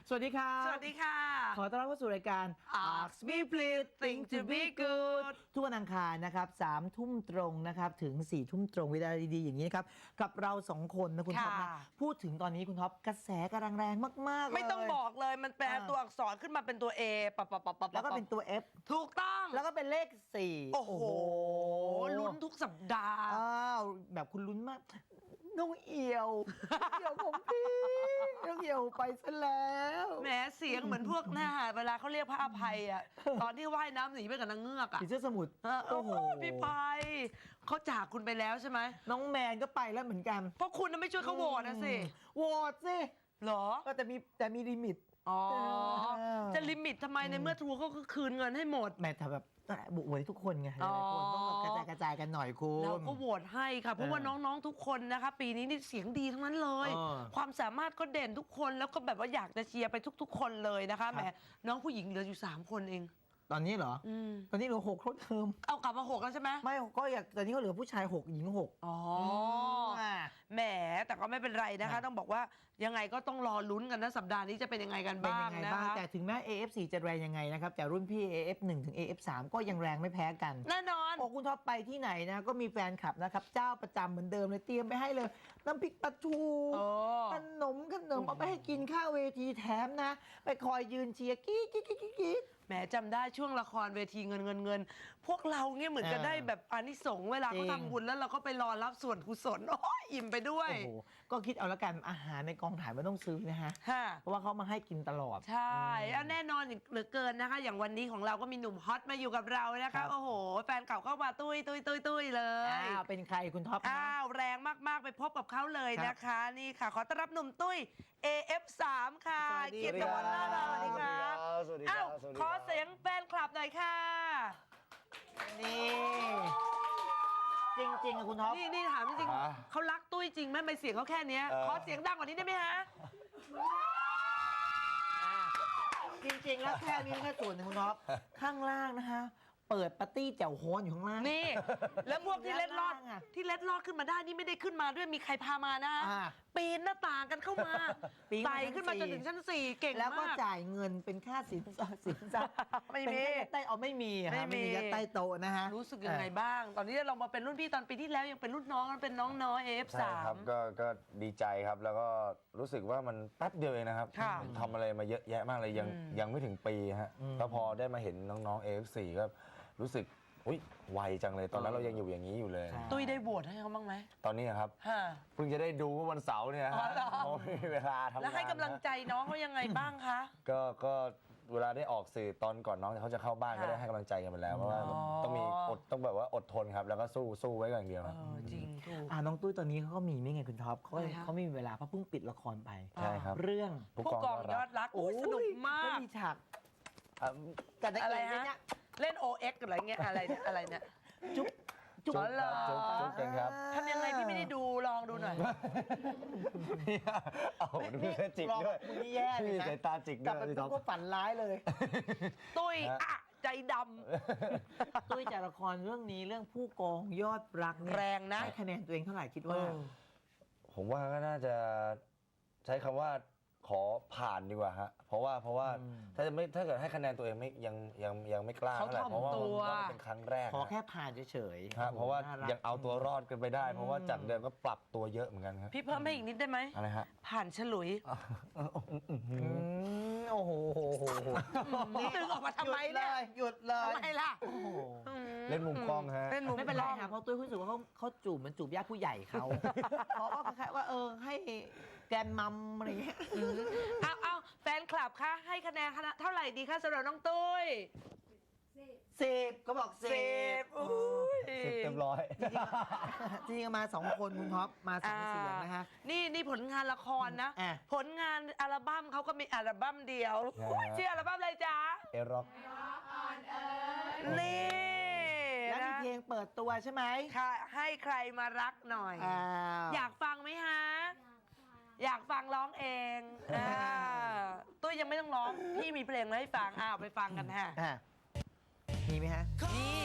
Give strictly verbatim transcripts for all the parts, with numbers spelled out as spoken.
สวัสดีครับสวัสดีค่ะขอต้อนรับเข้าสู่รายการ Ask Me Please Think to Be Good ทุกวันอังคารนะครับสามทุ่มตรงนะครับถึงสี่ทุ่มตรงเวลาดีๆอย่างนี้นะครับกับเราสองคนนะคุณท็อปนะพูดถึงตอนนี้คุณท็อปกระแสกำลังแรงมากๆเลยไม่ต้องบอกเลยมันแปลตัวอักษรขึ้นมาเป็นตัว A ปะปะปะปะแล้วก็เป็นตัว F ถูกต้องแล้วก็เป็นเลขสี่โอ้โหลุ้นทุกสัปดาห์อ้าวแบบคุณลุ้นมากน้องเอียวเอียวของพี่น้องเอียวไปซะแล้วแหมเสียงเหมือนพวกหน้าเวลาเขาเรียกพระอภัยอ่ะตอนที่ว่ายน้ำหนีไปกับนางเงือกอ่ะผีเสื้อสมุทรโอ้โหพี่ภัยเขาจากคุณไปแล้วใช่ไหมน้องแมนก็ไปแล้วเหมือนกันเพราะคุณไม่ช่วยเขาโหวตนะสิโหวตสิหรอก็แต่มีแต่มีลิมิตอ๋อจะลิมิตทำไมในเมื่อทัวร์เขาก็คืนเงินให้หมดแม่แต่แบบบุกเวยทุกคนไงหลายคนต้องแบบกระจายกระจายกันหน่อยคุณเราก็โหวตให้ค่ะเพราะว่าน้องๆทุกคนนะคะปีนี้นี่เสียงดีทั้งนั้นเลยความสามารถก็เด่นทุกคนแล้วก็แบบว่าอยากจะเชียร์ไปทุกๆคนเลยนะคะแหมน้องผู้หญิงเหลืออยู่สามคนเองตอนนี้เหรอตอนนี้เหลือหกเท่าเดิมเอากลับมาหกแล้วใช่ไหมไม่ก็อยากตอนนี้ก็เหลือผู้ชายหกหญิงหกอ๋อแหมแต่ก็ไม่เป็นไรนะคะต้องบอกว่ายังไงก็ต้องรอลุ้นกันนะสัปดาห์นี้จะเป็นยังไงกันบ้างนะคะแต่ถึงแม้ เอ เอฟ โฟร์ จะแรงยังไงนะครับแต่รุ่นพี่ เอ เอฟ วัน ถึง เอ เอฟ ทรี ก็ยังแรงไม่แพ้กันแน่นอนโอ้คุณท็อปไปที่ไหนนะก็มีแฟนคลับนะครับเจ้าประจำเหมือนเดิมเลยเตรียมไปให้เลยน้ำพริกปลาทูขนมขนมเอาไปให้กินข้าวเวทีแถมนะไปคอยยืนเชียร์กิ๊กกิ๊กกิ๊กกิ๊กแหมจำได้ช่วงละครเวทีเงินเงินเงินพวกเราเนี่ยเหมือนจะได้แบบอานิสงส์เวลาเขาทำบุญแล้วเราก็ไปรอรับส่วนกุศลโอ้ยอิ่มไปด้วยโอ้โหก็คิดเอาละกันอาหารในกองถ่ายไม่ต้องซื้อนะฮะเพราะว่าเขามาให้กินตลอดใช่แล้วแน่นอนเหลือเกินนะคะอย่างวันนี้ของเราก็มีหนุ่มฮอตมาอยู่กับเรานะคะโอ้โหแฟนเก่าเข้ามาตุ้ยตุ้ยตุ้ยตุ้ยเลยอ้าวเป็นใครคุณท็อปอ้าวแรงมากๆไปพบกับเขาเลยนะคะนี่ค่ะขอต้อนรับหนุ่มตุ้ย เอ เอฟ ทรี ค่ะเกียรติวัฒน์ล่าเราสวัสดีครับอ้าวขอเสียงแฟนคลับหน่อยค่ะนี่จริงๆอะคุณท็อปนี่นี่ถามจริงๆเขารักตุ้ยจริงไหมไม่เสียงเขาแค่นี้ขอเสียงดังกว่านี้ได้ไหมฮะจริงๆแล้วแค่นี้แค่ส่วนหนึ่งคุณท็อปข้างล่างนะคะเปิดปาร์ตี้แจ่วโฮนอยู่ข้างล่างนี่แล้วพวกที่เล็ดลอดที่เล็ดลอดขึ้นมาได้นี่ไม่ได้ขึ้นมาด้วยมีใครพามานะปีนหน้าต่างกันเข้ามาไต่ขึ้นมาจนถึงชั้นสี่เก่งมากแล้วก็จ่ายเงินเป็นค่าสินสอดสินทรัพย์ไม่มีใต้เอาไม่มีไม่มียัดใต้โต๊ะนะฮะรู้สึกยังไงบ้างตอนนี้เรามาเป็นรุ่นพี่ตอนปีที่แล้วยังเป็นรุ่นน้องกันเป็นน้องน้อย เอ เอฟ ทรีใช่ครับก็ก็ดีใจครับแล้วก็รู้สึกว่ามันแป๊บเดียวเองนะครับทำอะไรมาเยอะแยะมากเลยยังยังไม่ถึงปีฮะก็พอได้มาเห็นน้องๆ เอ เอฟ โฟร์ ก็รู้สึกอุ้ยไวจังเลยตอนนั้นเรายังอยู่อย่างนี้อยู่เลยตุ้ยได้โหวตให้เขาบ้างไหมตอนนี้ครับเพิ่งจะได้ดูวันเสาร์เนี่ยฮะเพราะไม่มีเวลาทำงานแล้วให้กำลังใจน้องเขายังไงบ้างคะก็ก็เวลาได้ออกสื่อตอนก่อนน้องเขาจะเข้าบ้านก็ได้ให้กำลังใจกันไปแล้วเพราะว่าต้องมีอดต้องแบบว่าอดทนครับแล้วก็สู้สู้ไว้ก่อนอย่างเดียวจริงถูกอ่าน้องตุ้ยตอนนี้เขาก็มีไม่ไงคุณท็อปเขาเขาไม่มีเวลาเพราะเพิ่งปิดละครไปใช่ครับเรื่องผู้กองยอดรักโอ้สนุกมากมีฉากอะไรฮะเล่น โอ เอ็กซ์ อะไรเงี้ยอะไรเนี่ยอะไรเนี่ยจุ๊บจุ๊บจุ๊บจุ๊บเก่งครับทำยังไงพี่ไม่ได้ดูลองดูหน่อยเอาดูแค่จิกด้วยนี่แย่เลยนะสายตาจิกด้วยแต่ก็ฝันร้ายเลยตุ้ยอะใจดำตุ้ยจากละครเรื่องนี้เรื่องผู้กองยอดรักแรงนะให้คะแนนตัวเองเท่าไหร่คิดว่าผมว่าก็น่าจะใช้คำว่าขอผ่านดีกว่าฮะเพราะว่าเพราะว่าถ้าจะไม่ถ้าเกิดให้คะแนนตัวเองไม่ยังยังยังไม่กล้าเท่าไหร่เพราะว่ามันเป็นครั้งแรกขอแค่ผ่านเฉยๆครับเพราะว่ายังเอาตัวรอดกันไปได้เพราะว่าจากเดิมก็ปรับตัวเยอะเหมือนกันครับพี่เพิ่มให้อีกนิดได้ไหมอะไรฮะผ่านฉลุยโอ้โหนี่ดึงออกมาทำไมเนี่ยหยุดเลยทำไมล่ะเล่นมุมกล้องฮะไม่เป็นไรค่ะเพราะตุ้ยรู้สึกว่าเขาเขาจูบมันจูบญาติผู้ใหญ่เขาเพราะว่าคล้ายๆว่าเออให้แกนมัมอะไรอย่างเงี้ยเอาเอาแฟนคลับคะให้คะแนนเท่าไหร่ดีคะสำหรับน้องตุ้ยสิบก็บอกสิบสิบเต็มร้อยจริงๆมาสองคนคุณท็อปมาสองเสียงนะคะนี่นี่ผลงานละครนะผลงานอัลบั้มเขาก็มีอัลบั้มเดียวชื่ออัลบั้มอะไรจ๊ะเอร็อกนี่แล้วมีเพลงเปิดตัวใช่ไหมค่ะให้ใครมารักหน่อยอยากฟังไหมฮะอยากฟังร้องเองตุ้ยยังไม่ต้องร้องพี่มีเพลงมาให้ฟังอ้าวไปฟังกันฮะมีไหมฮะนี่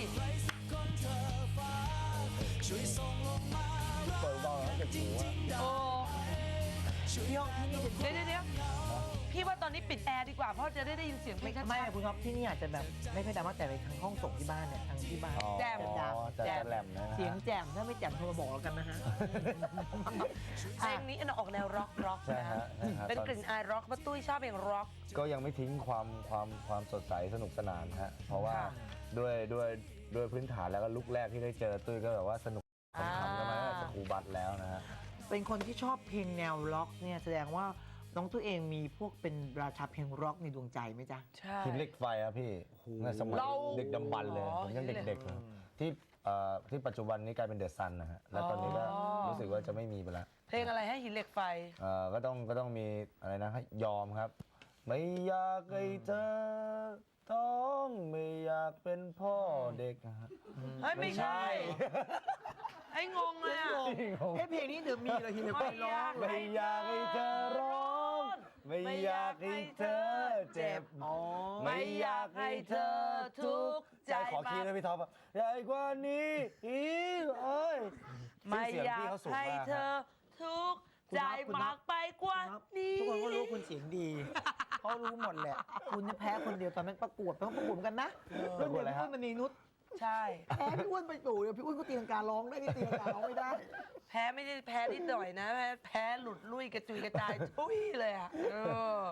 เปิดเบาแล้วเก็บหัวโอ้ที่ห้องที่นี่จะเดี๋ยวเดี๋ยวพี่ว่าตอนนี้ปิดแอร์ดีกว่าเพราะจะได้ได้ยินเสียงเพลไม่งชัดไม่คุณครับที่นี่อาจจะแบบไม่ค่อยดังมากแต่ในทางห้องส่งที่บ้านเนี่ยทางที่บ้านอ๋อแจ่มจะแจ่มจะแหลมนะฮะเสียงแจ่มถ้าไม่แจ่มโทรมาบอกเรากันนะฮะเพลงนี้ออกแนวร็อกร็อกใช่นะฮะใช่ฮะเป็นตอนกลิ่นอายร็อกป้าตุ้ยชอบเพลงร็อกก็ยังไม่ทิ้งความความความสดใสสนุกสนานฮะเพราะว่าค่ะด้วยด้วยด้วยพื้นฐานแล้วก็ลุกแรกที่ได้เจอตุ้ยก็แบบว่าสนุกขำๆกันมาตั้งแต่สกูบัตแล้วนะฮะเป็นคนที่ชอบเพลงแนวร็อกเนี่ยแสดงว่าน้องตัวเองมีพวกเป็นราชาเพลงร็อกในดวงใจไหมจ๊ะใช่หินเหล็กไฟอะพี่ในสมัยเราเด็กดำบรรพ์เลยอ๋อผมยังหินเหล็กเด็กๆเลยที่เอ่อที่ปัจจุบันนี้กลายเป็นเดอะซันนะฮะแล้วตอนนี้ก็อ๋อรู้สึกว่าจะไม่มีไปแล้วเพลงอะไรให้หินเหล็กไฟเอ่อก็ต้องก็ต้องมีอะไรนะให้ยอมครับ ไม่อยากให้เธอท้องไม่อยากเป็นพ่อเด็กนะฮะเฮ้ย ไม่ใช่ ไอ้งงเลยอ่ะเอ้เพลงนี้เดี๋ยวมีเลยทีเดียวไปร้องไม่อยากให้เธอร้องไม่อยากให้เธอเจ็บอ๋อไม่อยากให้เธอทุกข์ใจขอคีย์นะพี่ท็อปอะใหญ่กว่านี้อีกเอ้ยไม่อยากเสีงพี่เขสูงให้มกเธอฮะทุกข์คุณใจครับคุณครับมากไปกว่าครับนี้ทุกคนก็รู้คุณเสียงดี เขารู้หมดแหละ คุณเนี่ยแพ้คนเดียวตอนนั้นประกวดต้องประกวดกันนะเรื่องเดียวพี่อ้วนมันมีนุชใช่แพ้พี่อ้วนไปอยู่เดี๋ยวพี่อ้วนก็ตีลังการ้องได้นี่ตีลังการ้องไม่ได้แพ้ไม่ได้แพ้นิดหน่อยนะ แพ้แพ้หลุดลุ่ยกระจุยกระจายทุยเลยอ่ะเออ